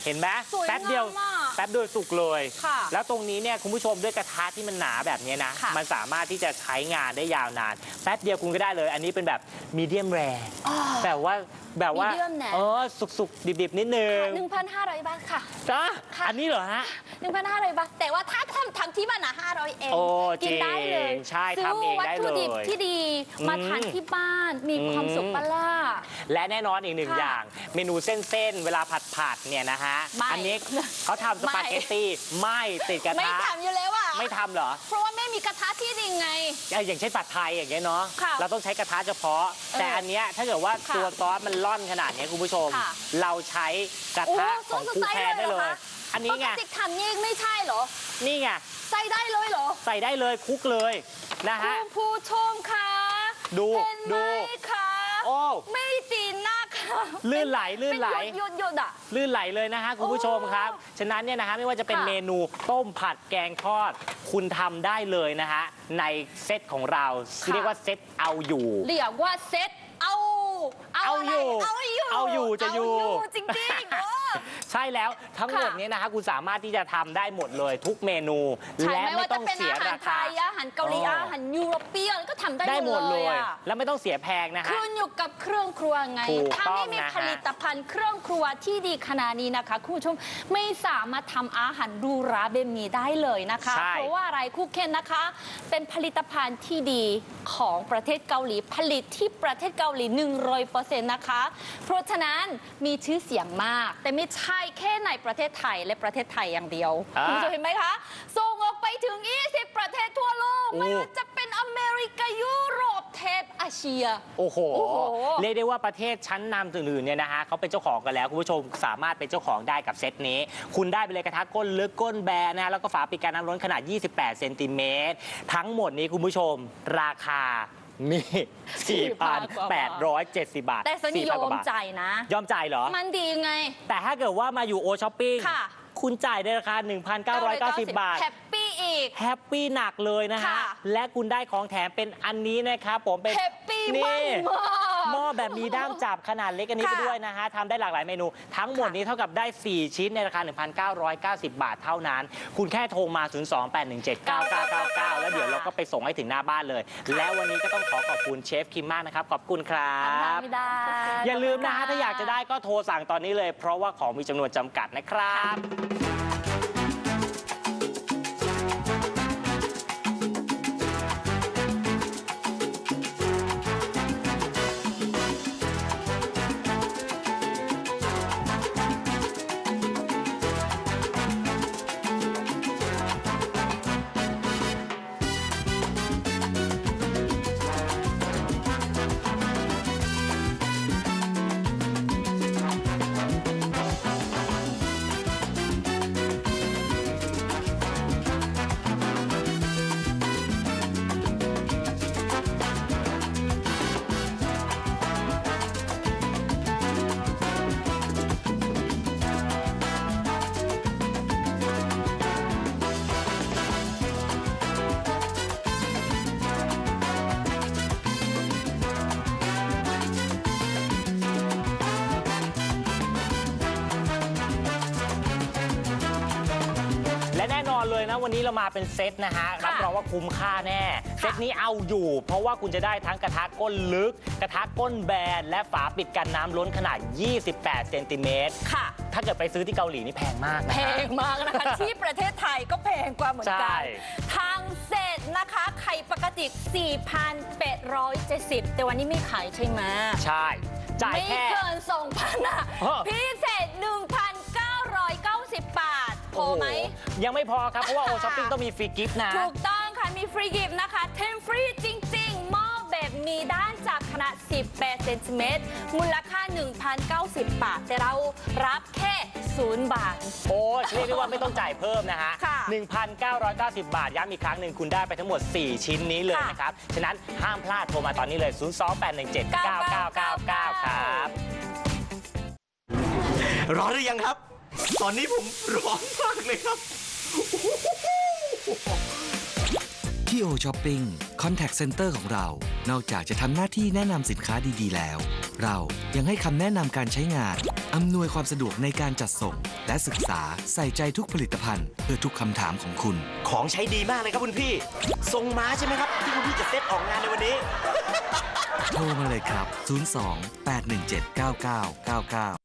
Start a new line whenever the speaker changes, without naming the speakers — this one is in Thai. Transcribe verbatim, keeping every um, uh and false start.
เห็นไหมแป๊บเดียวแป๊บเดียวสุกเลยแล้วตรงนี้เนี่ยคุณผู้ชมด้วยกระทะที่มันหนาแบบนี้นะมันสามารถที่จะใช้งานได้ยาวนานแป๊บเดียวคุณก็ได้เลยอันนี้เป็นแบบมีเดียมแรร์แต่ว่าแบบว่าเออสุกๆดิบๆนิดนึง
หนึ่งพันห้าร้อย บาทค่ะ
จ้าอันนี้เหรอฮะ
หนึ่งพันห้าร้อย บาทแต่ว่าถ้าทำทำที่บ้านนะห้าร้อยเองกินได้เลย
ใช่ทำเองได้เลย
ซื้อวัตถุดิบที่ดีมาทานที่บ้านมีความสุขปะล่ะ
และแน่นอนอีกหนึ่งอย่างเมนูเส้นๆเวลาผัดผัดเนี่ยนะฮะอันนี้เขาทำสปาเกตตี้ไม่ติดกระทะ
ไม่ทำอยู่แล้วอ่ะ
ไม่ทำเหรอ
เพราะว่าไม่มีกระทะที่ดีไง
อย่างเช่นผัดไทยอย่างเงี้ยเนาะเราต้องใช้กระทะเฉพาะแต่อันเนี้ยถ้าเกิดว่าตัวซอสมันล่อนขนาดนี้คุณผู้ชมเราใช้กระทะของคูแพนได้เลยอันนี้ไง
ปกติทำนี่ไม่ใช่เหรอ
นี่ไง
ใส่ได้เลยเหรอ
ใส่ได้เลยคุกเลยนะฮะ
คุณผู้ชมคะ
ดูดู
ค่ะโอ้ไม่ตีนะคะ
ลื่นไหลลื่นไหล
หยดหยดอ่ะ
ลื่นไหลเลยนะฮะคุณผู้ชมครับฉะนั้นเนี่ยนะฮะไม่ว่าจะเป็นเมนูต้มผัดแกงทอดคุณทำได้เลยนะฮะในเซตของเราเรียกว่าเซตเอาอยู่
เรียกว่าเซตเอา
เอาอยู่เอาอยู่เอาอยู่จะอยู่
จริงๆ
ใช่แล้วทั้งหมดนี้นะฮะคุณสามารถที่จะทำได้หมดเลยทุกเมนูและไม่ต้องเสียราคา
อาหารเกาหลีอาหารยุโรเปียนก็ทำได้หมดเลย
แล้วไม่ต้องเสียแพงนะฮะ
ขึ้นอยู่กับเครื่องครัวไงถ้าไม่มีผลิตภัณฑ์เครื่องครัวที่ดีขนาดนี้นะคะคุณผู้ชมไม่สามารถทำอาหารดูราแบบนี้ได้เลยนะคะเพราะว่าอะไรคุกเคนนะคะเป็นผลิตภัณฑ์ที่ดีของประเทศเกาหลีผลิตที่ประเทศเกาหลีหนึ่งร้อยเปอร์เซ็นต์นะคะเพราะฉะนั้นมีชื่อเสียงมากแต่ไม่ใช่แค่ในประเทศไทยและประเทศไทยอย่างเดียวคุณผู้ชมเห็นไหมคะส่งออกไปถึงยี่สิบประเทศทั่วโลกไม่ว่าจะเป็นอเมริกายุโรปเทปเอเชีย
โอ้โหเรียกได้ว่าประเทศชั้นนำอื่นๆเนี่ยนะฮะเขาเป็นเจ้าของกันแล้วคุณผู้ชมสามารถเป็นเจ้าของได้กับเซตนี้คุณได้ไปเลยกระทะก้นลึกก้นแบนนะแล้วก็ฝาปิดการน้ำร้อนขนาดยี่สิบแปดเซนติเมตรทั้งหมดนี้คุณผู้ชมราคานี่ สี่พันแปดร้อยเจ็ดสิบ บาท
แต่สนิยอมจ่ายนะ
ยอมจ่ายเหรอ
มันดีไง
แต่ถ้าเกิดว่ามาอยู่โอช้อปปิ้งคุณจ่ายในราคา หนึ่งพันเก้าร้อยเก้าสิบ บาท
แฮปปี้อีก
แฮปปี้หนักเลยนะฮะและคุณได้ของแถมเป็นอันนี้นะครับผมเป็น
แฮปปี้มาก
หม้อแบบมีด้ามจับขนาดเล็กอันนี้ไปด้วยนะฮะทำได้หลากหลายเมนูทั้งหมดนี้เท่ากับได้สี่ชิ้นในราคา หนึ่งพันเก้าร้อยเก้าสิบ บาทเท่านั้นคุณแค่โทรมา ศูนย์ สอง แปด หนึ่ง เจ็ด เก้า เก้า เก้า เก้า แล้วเดี๋ยวเราก็ไปส่งให้ถึงหน้าบ้านเลยแล้ววันนี้ก็ต้องขอขอบคุณเชฟคิมมากนะครับขอบคุณครับอย่าลืมนะฮะถ้าอยากจะได้ก็โทรสั่งตอนนี้เลยเพราะว่าของมีจำนวนจำกัดนะครับเลยนะวันนี้เรามาเป็นเซตนะฮะรับรองว่าคุ้มค่าแน่เซตนี้เอาอยู่เพราะว่าคุณจะได้ทั้งกระทะก้นลึกกระทะก้นแบนและฝาปิดกันน้ำล้นขนาดยี่สิบแปดเซนติเมตรค่ะถ้าเกิดไปซื้อที่เกาหลีนี่แพงมากนะ
แพงมากนะคะที่ประเทศไทยก็แพงกว่าเหมือนกันทางเซตนะคะไข่ปกติ สี่พันแปดร้อยเจ็ดสิบ แต่วันนี้ไม่ขายใช่ไหม
ใช่จ่าย
แค่ไม่เกิน สองพัน อ่ะพิเศษ หนึ่งพันเก้าร้อยเก้าสิบ บาทพอไหม
ยังไม่พอครับเพราะว่าโอช้อปปิ้งต้องมีฟรีกิฟต์นะ
ถูกต้องค่ะมีฟรีกิฟต์นะคะเทมฟรีจริงๆหม้อแบบมีด้านจับขนาดสิบแปดเซนติเมตรมูลค่า หนึ่งพันเก้าสิบ บาทแต่เรารับแค่ศูนย์บาท
โอ้เรียกได้ว่าไม่ต้องจ่ายเพิ่มนะฮะ หนึ่งพันเก้าร้อยเก้าสิบ บาทย้ำอีกครั้งหนึ่งคุณได้ไปทั้งหมดสี่ชิ้นนี้เลยนะครับฉะนั้นห้ามพลาดโทรมาตอนนี้เลย ศูนย์ สอง แปด หนึ่ง เจ็ด เก้า เก้า เก้า เก้า ครับ
ร้อนหรือยังครับตอนนี้ผมร้อนมากเลยครับ
ที่โอช้อปปิ้งคอนแทคเซ็นเตอร์ของเรานอกจากจะทำหน้าที่แนะนำสินค้าดีๆแล้วเรายังให้คำแนะนำการใช้งานออำนวยความสะดวกในการจัดส่ง และศึกษาใส่ใจทุกผลิตภัณฑ์เพื่อทุกคำถามของคุณ
ของใช้ดีมากเลยครับคุณพี่ทรงม้าใช่ไหมครับ ที่คุณพี่จะเซตออกงานในวันนี้
โทรมาเลยครับ ศูนย์ สอง แปด หนึ่ง เจ็ด เก้า เก้า เก้า เก้า